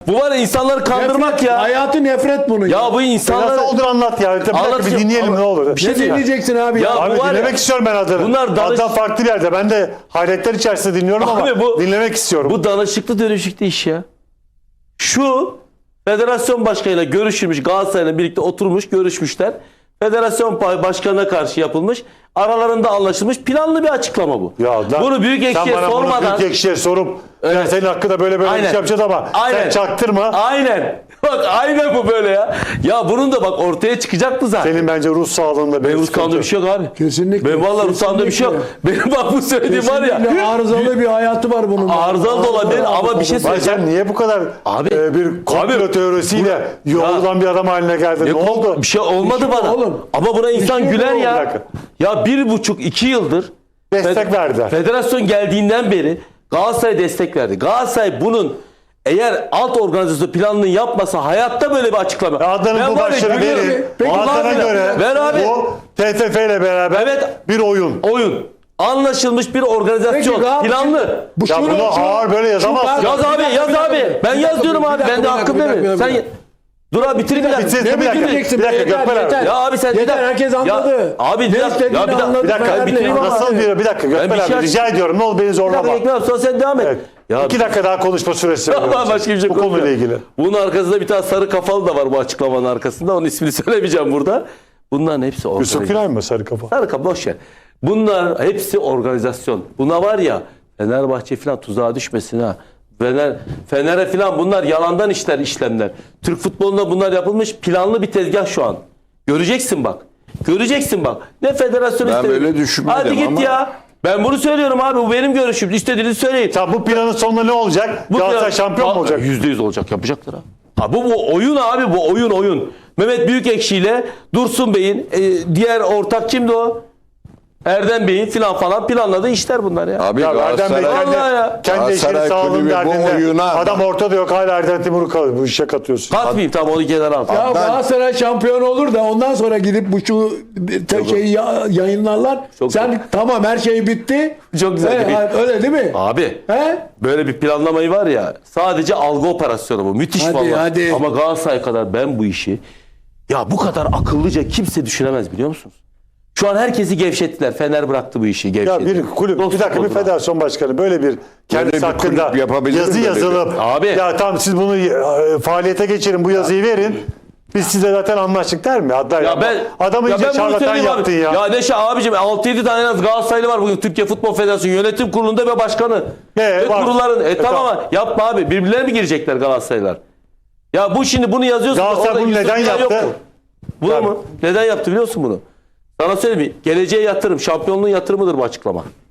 Bu var ya insanları kandırmak Nefret, ya. hayatı nefret bunun. Ya bu insanlar... Nasıl olur anlat ya. Bir dakika bir Anlatayım. dinleyelim Ama ne olur. bir şey Ne diyeceğim. dinleyeceksin abi? Ya Abi bu var ya- dinlemek istiyorum ben adını. Bunlar danış- Hatta farklı bir yerde. Ben de hayretler içerisinde dinliyorum ama Abi bu- dinlemek istiyorum. Bu danışıklı dönüşüklü iş ya. Şu federasyon başkanıyla görüşülmüş, Galatasaray'la birlikte oturmuş, görüşmüşler. Federasyon başkanına karşı yapılmış, aralarında anlaşılmış planlı bir açıklama bu. Ya lan, bunu büyük sen ekşiye bana sormadan... bunu büyük ekşiye sorup ya Evet. senin hakkında böyle bir şey yapacağız ama sen çaktırma. Aynen. Bak aynen bu böyle ya. Ya bunun da bak ortaya çıkacaktı zaten. Senin bence ruh sağlığında Benim ruh sağlığında bir şey yok abi. Kesinlikle. Benim valla ruh sağlığında bir şey yok. Benim bak bu söylediğim var ya. Kesinlikle arızalı bir hayatı var bunun. Arızalı da olabilir ama bir şey Vay söyleyeceğim. sen niye bu kadar Abi- bir komplo Abi- teorisiyle yoğrulan bir adam haline geldin? Ne oldu? Bir şey olmadı Bir şey bana. oğlum. Ama buna insan şey güler yok. ya. Bir dakika. Ya 1,5-2 yıldır Destek verdiler. Federasyon geldiğinden beri Galatasaray destek verdi. Galatasaray bunun eğer alt organizasyon planını yapmasa hayatta böyle bir açıklama. Adnan'ın Ben bu var ya başları gülüyorum. verin. Peki, Adnan'a var ya, göre ver abi. bu TFF ile beraber Evet. bir oyun. Oyun. Anlaşılmış bir organizasyon. Peki, Galatasaray- Planlı. Ya bunu ağır böyle yazamazsın. Yaz abi, yaz abi. Ben yaz diyorum abi. Ben de hakkım değil mi? Sen dur abi bitir bir dakika. Bitirsin, Ne bir dakika. bitireceksin? Bir dakika, Yeter, Gökmen abi. yeter. Ya abi sen Yeter, herkes anladı. Ya, abi bir Ne dakika. istediğini Ya bir dakika. anladı. Bir dakika Fenerli. bitireyim ama. Nasıl bir dakika Ben Gökmen bir şey abi rica ediyorum ne olur beni Bir zorlama. dakika Ekmel abi, sonra sen devam et. Evet. Ya 2 dakika daha konuşma süresi Tamam, veriyorum. başka bir şey Bu konuyla konuşmayalım. ilgili. Bunun arkasında bir tane sarı kafalı da var bu açıklamanın arkasında. Onun ismini söylemeyeceğim burada. Bunların hepsi Yusuf organizasyon. Günay mı sarı kafa? Sarı kafa boş ver. Bunlar hepsi organizasyon. Buna var ya Fenerbahçe falan tuzağa düşmesin ha. Fener'e falan bunlar yalandan işlemler. Türk futbolunda bunlar yapılmış planlı bir tezgah şu an. Göreceksin bak. Göreceksin bak. Ne federasyon Ben istedi. böyle düşünmedim Hadi git ama- ya. Ben bunu söylüyorum abi. Bu benim görüşüm. İstediğinizi söyleyin. Ya bu planın sonunda ne olacak? Galatasaray şampiyon mu olacak? %100 olacak. Yapacaklar ha. Ha bu oyun abi. Bu oyun. Mehmet Büyükekşi ile Dursun Bey'in diğer ortak kimdi o? Erdem Bey'in falan planladığı işler bunlar ya. Abi Ya Erdem Bey Galatasaray, Vallahi ya. kendi eşinin Galatasaray sağlığının kulübü bu derdinde. oyuna Adam ortada yok hala Erdem Timur'u kalıyor. Bu işe katıyorsun. Katmayayım tamam onu kenara al. Ya Galatasaray şampiyon olur da ondan sonra gidip bu şeyi yayınlarlar. Çok Sen tamam her şey bitti. Çok güzel bir- Öyle değil mi? Abi He? böyle bir planlamayı var ya sadece algı operasyonu bu. Müthiş Hadi, vallahi. hadi. Ama Galatasaray kadar ben bu işi ya bu kadar akıllıca kimse düşünemez biliyor musunuz? Şu an herkesi gevşettiler. Fener bıraktı bu işi Ya gevşetti. bir kulüp, Dost bir dakika bir futbolcular. federasyon başkanı böyle bir kendisi bir hakkında kulüp yapabilir yazı mi böyle yazılıp Abi. ya tamam siz bunu faaliyete geçirin bu yazıyı verin. Biz size zaten anlaştık der mi? Hatta Ya ben adamı ya iyice ben bunu şarlatan söyleyeyim abi. yaptın ya. Ya Neşe abicim 6-7 tane en az Galatasaraylı var bugün Türkiye Futbol Federasyonu yönetim kurulunda ve başkanı. Ve var. kurulların. Tamam Tamam. ama yapma abi. Birbirlerine mi girecekler Galatasaraylılar? Ya bu şimdi bunu yazıyorsun. Galatasaray orada bunu Yusuf neden Günay yok yaptı? mu? Bunu Tabii. mu? Neden yaptı biliyor musun bunu? Sana söyleyeyim mi? Geleceğe yatırım, şampiyonluğun yatırımıdır bu açıklama.